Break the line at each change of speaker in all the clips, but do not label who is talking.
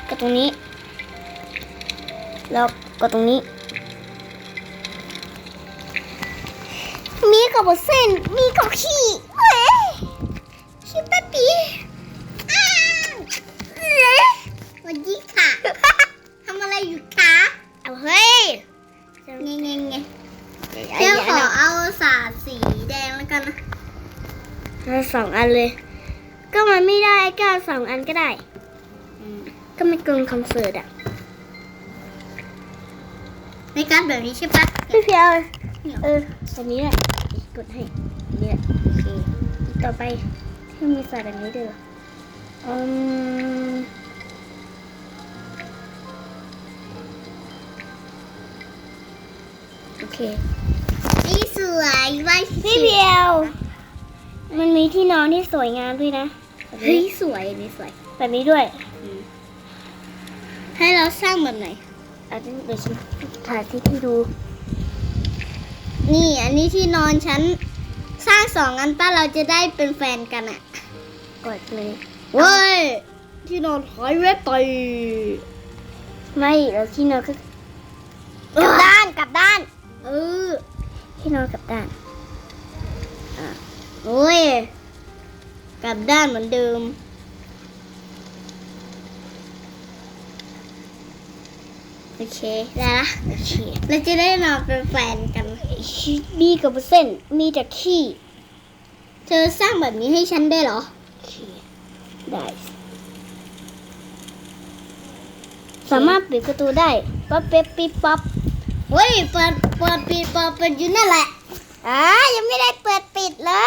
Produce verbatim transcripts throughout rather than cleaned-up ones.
กดตรงนี้แล้วกดตรงนี้มีกับเส้นมีกับขี้เฮ้ยขี้แป๊บปีอ้าวเฮ้ยวันนี้ค่ะ ทำอะไรอยู่คะเอาเฮ้ยเงี้ยเงี้ยเงี้ยเดี๋ยวขอเอาสาดสีแดงแล้วกันนะเอาสองอันเลยก็มันไม่ได้ก็สองอันก็ได้ก็ไม่เกินคอนเสิร์ตอะในการแบบนี้ใช่ปะพี่เพียวเออแบบนี้แหละกดให้นี่แหละโอเคต่อไปที่มีสายแบบนี้ด้วยอืมโอเคนี่สวยว่าพี่เพียวมันมีที่นอนที่สวยงามด้วยนะเฮ้ยสวยนี่สวยแบบนี้ด้วยให้เราสร้างแบบไหนอาจจะเดี๋ยวฉันถ่ายที่ที่ดูนี่อันนี้ที่นอนฉันสร้างสองอันป้าเราจะได้เป็นแฟนกันอ่ะกดเลยเว้ยที่นอนหายเว็บไปไม่เราที่นอนคือกลับด้านกลับด้านเออที่นอนกลับด้านอ่ะโอ้ยกลับด้านเหมือนเดิมโอเคได้ละโอเคเราจะได้นอนเป็นแฟนกันมีกับเส้นมีแต่ขี้เธอสร้างแบบนี้ให้ฉันได้เหรอโอเคได้สามารถปิดประตูได้ป๊อปเป๊ปปิ๊บป๊อปเฮ้ยเปิดเปิดปิดเปิดปิดอยู่นั่นแหละอ่ายังไม่ได้เปิดปิดเลย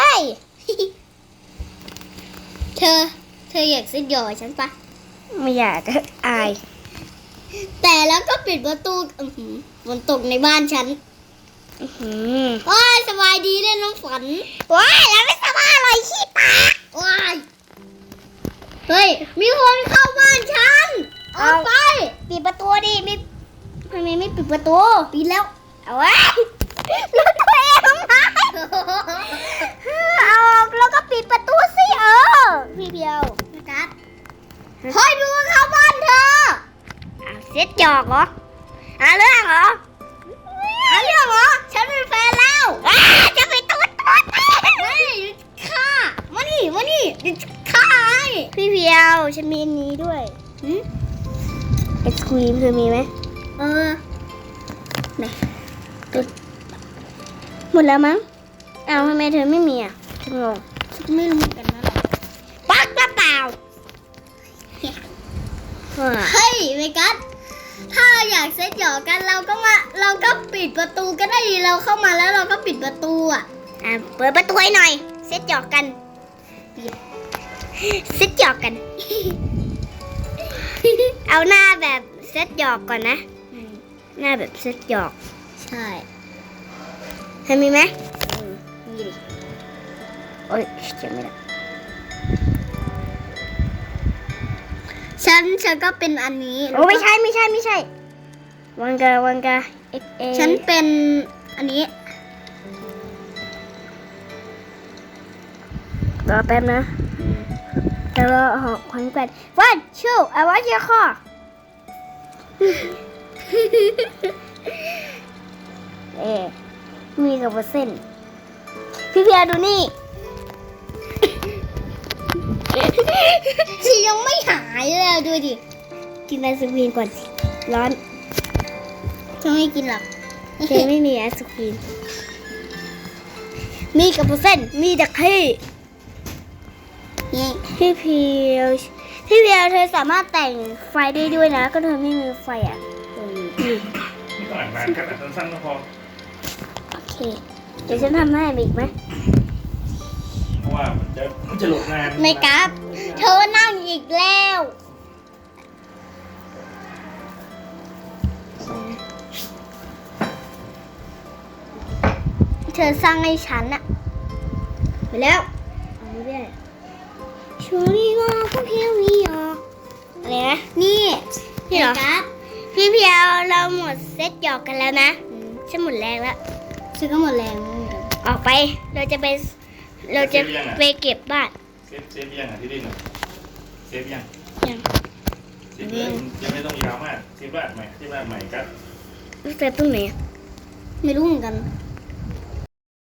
เธอเธออยากซิดหยอฉันปะไม่อยากอายแต่แล้วก็ปิดประตูฝนตกในบ้านฉันว้ายสบายดีเลยน้องฝันว้ายแล้วไม่สบายอะไรขี้ปากว้ายเฮ้ยมีคนเข้าบ้านฉันออกไปปิดประตูดิไม่ทำไมไม่ปิดประตูปิดแล้วเอาไว้รถตัวเองมาเอาแล้วก็ปิดประตูสิเออพี่เพียวกัดเฮ้ยมีคนเข้าบ้านเธอเซ็ตจอกเหรอหาเรื่องเหรอหาเรื่องเหรอฉันเป็นแฟนแล้วจะไปตุ๊ดตุ๊ดเฮ้ยฆ่ามานี่มานี่ฆ่าพี่เพียวฉันมีอันนี้ด้วยไอศครีมเธอมีไหมเออไหนตุ๊ดหมดแล้วมั้งอ้าวทำไมเธอไม่มีอ่ะฉันงงฉันไม่รู้เหมือนกันนะปักกระเป๋าเฮ้ยเมกัสถ้าอยากเซ็ตหยอกกันเราก็มาเราก็ปิดประตูก็ได้เราเข้ามาแล้วเราก็ปิดประตูอ่ะอ่าเปิดประตูให้หน่อยเซ็ตหยอกกันเซ็ตหยอกกัน เอาหน้าแบบเซ็ตหยอกก่อนนะหน้าแบบเซ็ตหยอกใช่เธอมีไหมมีดิโอ๊ยจำไม่ได้ฉันฉันก็เป็นอันนี้โอ้ไม่ใช่ไม่ใช่ไม่ใช่วังกาวังกาเอ็กเอฉันเป็นอันนี้รอแป๊บนะแต่รอหอกขวัญแกว่งวันชูเอาไว้เชียร์คอเอ๊มีกับเส้นพี่เพียดูนี่ชียังไม่หายเลยดูดิกินไอศครีมก่อนร้อนฉันไม่กินหรอกเจไม่มีไอศครีมมีกับเส้นมีแต่ขี้พี่เพียวพี่เพียวเธอสามารถแต่งไฟได้ด้วยนะก็เธอไม่มีไฟอ่ะนี่
นี่ต้องอ่านนานแค่แต่สั้นๆก็พอ
โอเคเดี๋ยวฉันทำให้อีกไหม
เพราะว่ามันจะมันจะหลบนาน
ไม่กลับเธอนั่งอีกแล้วเธอสร้างให้ฉันอะไปแล้วเอาไม่ได้ชูนี่ว่าก็เพียวมีอ่ะอะไรนะนี่พี่เหรอพี่เพียวเราหมดเซตหยอกกันแล้วนะฉันหมดแรงแล้วฉันก็หมดแรงออกไปเราจะไปเราจะไปเก็บบ้าน
เซฟเซฟยังอ่ะที่ดินเซฟยัง
ยัง
เซฟออจะไม่ต้องยาวมากที่บ้านใหม่ที่บ้านใหม่กัด
เซฟตรงไหนอะไม่รู้เหมือนกัน
เ